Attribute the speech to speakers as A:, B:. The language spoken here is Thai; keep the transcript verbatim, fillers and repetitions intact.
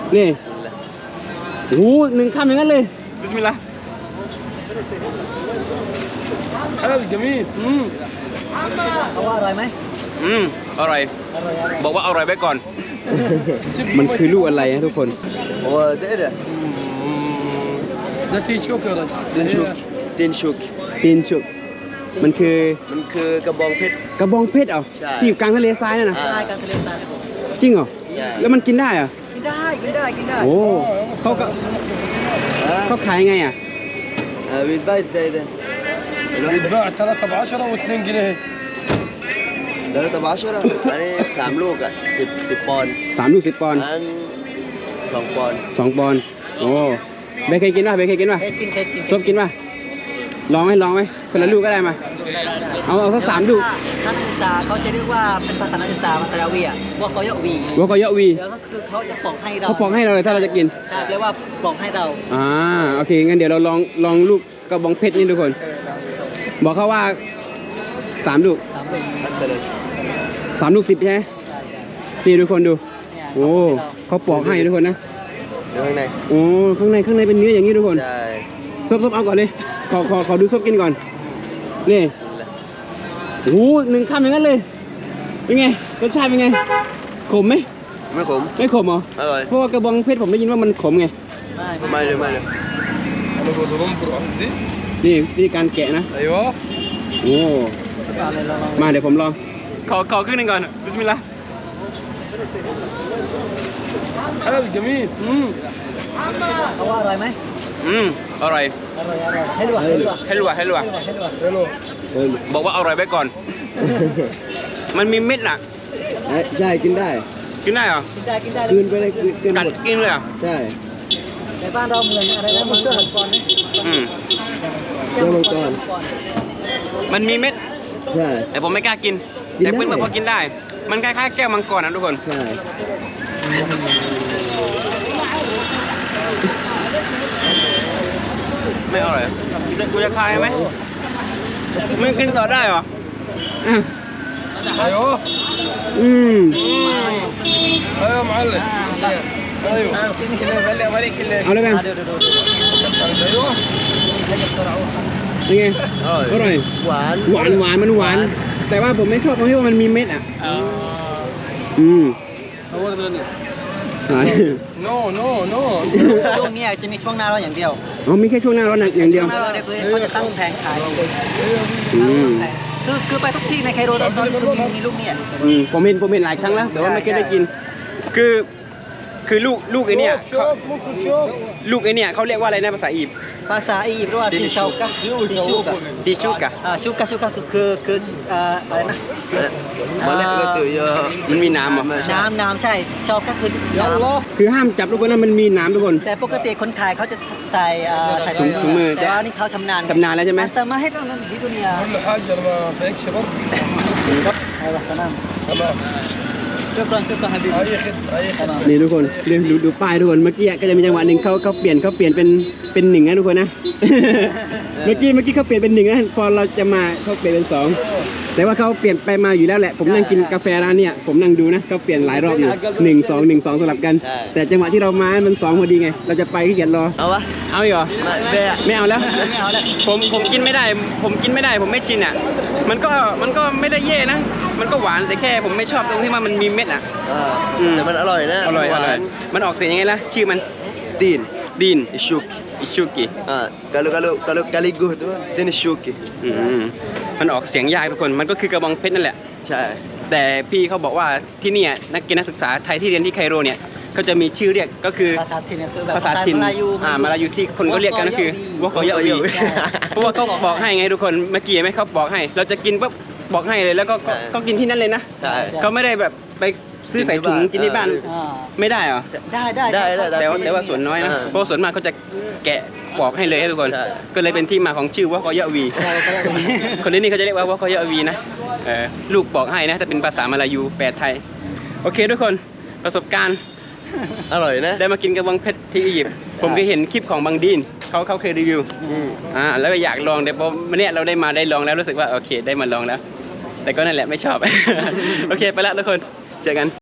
A: นี่โอ้หนึ่งคำอย่างนั้นเลยบิสมิลลาห์
B: เฮ้ยจมีอืม
C: เขาว่าอร่อยไหม
A: อืมอร่อยบอกว่าอร่อยไว้ก่อนมันคือลูกอะไรนะทุกคน
C: โอ้เด็ดอะ
B: ده تين شوك يا رجل
C: ตีนชุกตีนชุก
A: ตีนชุกมันคือ
C: มันคือกระบองเพชร
A: กระบองเพชรเหรอ
C: ใช่
A: ที่อยู่กลางทะเลทรายนั่นนะ
C: ใช่กลางทะเลทรายผม
A: จริงเหรอ
C: ใช่
A: แล้วมันกินได้เหรอ
C: กินได้กินได้กินได้
A: โอ้เขาก็เขาขายยังไงอ่ะ
C: เออวิดไบซ์เด้อ
B: يتباع ثلاثة بعشرة واثنين جنيه
C: เดี๋ยวเราตะบ้าชัวร์อันนี้สามลูกอ่ะสิบสิบปอนด์
A: สามลูกสิบปอนด์
C: อันสองปอนด์
A: สองปอนด์โอ้เบย์เคยกินป่ะเบย์เคยกินป่ะ
C: เคยกินเคยกิน
A: ซบกินป่ะลองไหมลองไหมคนละลูกก็ได้มาเอาเอาสักสามลูก
C: ถ้านักศึกษาเขาจะเรียกว่าเป็นภาษานักศึกษาภาษาดาวีอ่ะว่าเขาเยาะวี
A: วัวก็เยอะวี
C: เดี๋ยวก็คือเขาจะปอกให้เรา
A: เขาปอกให้เราเลยถ้าเราจะกิน
C: ใช่เรียกว่าปอกให้เรา
A: อ่าโอเคงั้นเดี๋ยวเราลองลองลูกกระบองเพชรนี่ทุกคน บอกเขาว่าสามลูก
C: สามลูกมันไปเลย
A: สามลูกสิบใช่ไหม
C: ใช่ใช่
A: นี่ทุกคนดู
C: เนี่ย
A: โอ้เขาปอกให้ทุกคนนะ
C: เดี๋ยวข้างใน
A: โอ้ข้างในข้างในเป็นเนื้ออย่างนี้ทุกคน
C: ใช่
A: ซบซบเอาก่อนเลยขอขอขอดูซบกินก่อนนี่โอ้หนึ่งคำอย่างนั้นเลยเป็นไงรสชาติเป็นไงขมไหม
C: ไม่ขม
A: ไม่ขมเหรอ
C: อร่อย
A: เพราะว่ากระบองเพชรผมได้ยินว่ามันขมไง
C: ไม่เลยไม่เลย
B: انا بقول لهم برو عندي
A: นี่วิธีการแกะนะ
B: ايوه
A: โอ้มาเดี๋ยวผมลองขอขอครึ่งหนึงก่อนบิสมิลลาห์
B: هلا جميل
A: อืม
C: เขาว่าอร่อยไหม
A: อืมอร่อย
C: อร่อยอร่อยให้ดูให้ดู
A: ให้รู้ว่าให้รู้ว่า
C: ให้ดู
B: حلو
A: บอกว่าอร่อยไว้ก่อน มันมีเม็ดน่ะ
C: ใช่กินได้
A: กินได้เหรอ
C: กินได้กินได้กินไปเลยกิน
A: กัดกินเลยเหรอ
C: ใช่ในบ้านเราเหมือนอะไรนะมังกรนะ
A: อืม
C: เจ้ามังกร
A: มันมีเม็ด
C: ใช่
A: แต่ผมไม่กล้ากิน
C: กินได้
A: แต่เพื่อนๆพอกินได้ มันคล้ายๆแก้วมังกรนะทุกคน
C: ใช่
A: ไม่อร่อยกูจะคายไหมมึงกินต่อได้เหรออ่ะ
B: ايوه
A: อืม
B: ايوه معلم ايوه
A: เอาเลยแบง
C: ดูดูดู
B: ايوه
A: เป็นไง อร่อย
C: หวาน
A: หวานหวานมันหวาน แต่ว่าผมไม่ชอบตรงที่ว่ามันมีเม็ดอ่ะ อืมหาย
B: نو نو نو
C: ช่วงนี้จะมีช่วงหน้าร้อนอย่างเดียว
A: อ๋อมีแค่ช่วงหน้าร้อนอย่างเดียว
C: ช่วงหน้าร้อนเนี่ยคือเขาจะตั้งแผงขาย
A: อืม
C: คือคือไปทุกที่ในไคโรตอนนี้คือมีมีลูกเนี่ย
A: อืมผมเห็นผมเห็นหลายครั้งแล้ว แต่ว่าไม่เคยได้กิน คือคือลูกลูกไอเนี่ยเขา
B: شوف ممكن شوف
A: ลูกไอเนี่ยเขาเรียกว่าอะไรนะภาษาอียิปต์
C: ภาษาอียิปต์เรียกว่าติชูกะติชูกะ
A: ติชุกะ
C: อ่าชูกะชูกะคือคือคือเอ่ออะไรนะ
D: มาเล็กก็ตื่นเยอะ
A: มันมีน้ำเหรอ
C: น้ำน้ำใช่ชอบก็คือน้ำ
A: คือห้ามจับทุกคนนะมันมีน้ำทุกคน
C: แต่ปกติคนขายเขาจะใส่เอ่อใส่
A: ถุงถุงมือ
C: แต่ว่านี่เขาชำนาญ
A: ชำนาญแล้วใช่ไหม
C: แต่มาให้ต้องนั้นที่ตัวเนี้ย
B: كل حاجه ما فيكش برضه
C: เอาละตาม
B: تمام
C: ชุกรอนชุกรอนฮับบี
B: اي خدمه اي خدمه
A: นี่ทุกคนดูดูดูป้ายทุกคน เมื่อกี้ก็จะมีจังหวะหนึ่งเขาเขาเปลี่ยนเขาเปลี่ยนเป็นเป็นหนึ่งนะทุกคนนะ เมื่อกี้เมื่อกี้เขาเปลี่ยนเป็นหนึ่งนะ พอเราจะมาเขาเปลี่ยนเป็นสอง แต่ว่าเขาเปลี่ยนไปมาอยู่แล้วแหละ ผมนั่งกินกาแฟร้านเนี่ยผมนั่งดูนะเขาเปลี่ยนหลายรอบอยู่หนึ่งสองหนึ่งสองสลับกัน แต่จังหวะที่เรามามันสองพอดีไง เราจะไปขี้เกียจรอ
C: เอาวะ
A: เอาอีกเหรอ
C: ไม่
A: ไม่เอาแล้ว
C: ไม่เอาแล้ว
A: ผมผมกินไม่ได้ ผมกินไม่ได้ ผมไม่ชินอ่ะ มันก็มันก็ไม่ได้แย่นะ มันก็หวานแต่แค่ผมไม่ชอบตรงที่ว่ามันมีเม็ดอ่ะ อืม
D: แต่มันอร่อยนะ
A: อร่อยอ
D: หวา
A: ร่อย
D: น
A: มันออกเสียงยังไงล่ะ ชื่อมัน
D: ตีน
A: ดีน
D: อิชุก
A: อิชูกิ
D: อ่า kalau kalau kalau kaligu tu dia ni syuki
A: อืมมันออกเสียงยากทุกคน มันก็คือกระบองเพชรนั่นแหละ
D: ใช่
A: แต่พี่เขาบอกว่าที่เนี่ยนักกินนักศึกษาไทยที่เรียนที่ไคโรเนี่ยเขาจะมีชื่อเรียกก็คือ
C: ภาษาถิ่นเนี่ยคือแบบ
A: ภาษาถิ่น
C: มาลายู
A: อ่ามาลายูที่คนก็เรียกกันก็คือวอกอยะวี
C: ใช่
A: เพราะว่าเขาบอกให้ไงทุกคนเมื่อกี้ไหมเขาบอกให้ เราจะกินปุ๊บบอกให้เลยแล้วก็ก็ก็กินที่นั่นเลยนะ
D: ใช่
A: เขาไม่ได้แบบไปซื้อใส่ถุงกินที่บ้าน
C: อ่า
A: ไม่ได้เหรอ
C: ได้ได้
D: ได้ได้ได้
A: แต่ว่าแต่ว่าส่วนน้อยนะ
D: เออ
A: เพราะว่าส่วนมากเขาจะแกะปอกให้เลยให้ทุกคน
D: ใช่
A: ก็เลยเป็นที่มาของชื่อวอกอยะวี
C: ได้ได้ได้
A: คนที่นี่เขาจะเรียกว่าวอกอยะวีนะเออลูกบอกให้นะแต่เป็นภาษามาลายูแปลไทยโอเคทุกคนประสบการณ์
D: อร่อยนะ
A: ได้มากินกระบองเพชรที่อียิปต์ผมเคยเห็นคลิปของบังดีนเขาเขาเคยรีวิว
D: อืม
A: อ่าแล้วก็อยากลองแต่พอวันเนี้ยเราได้มาได้ลองแล้วรู้สึกว่าโอเคได้มาลองแล้ว แต่ก็นั่นแหละไม่ชอบ โอเคไปละทุกคนเจอกัน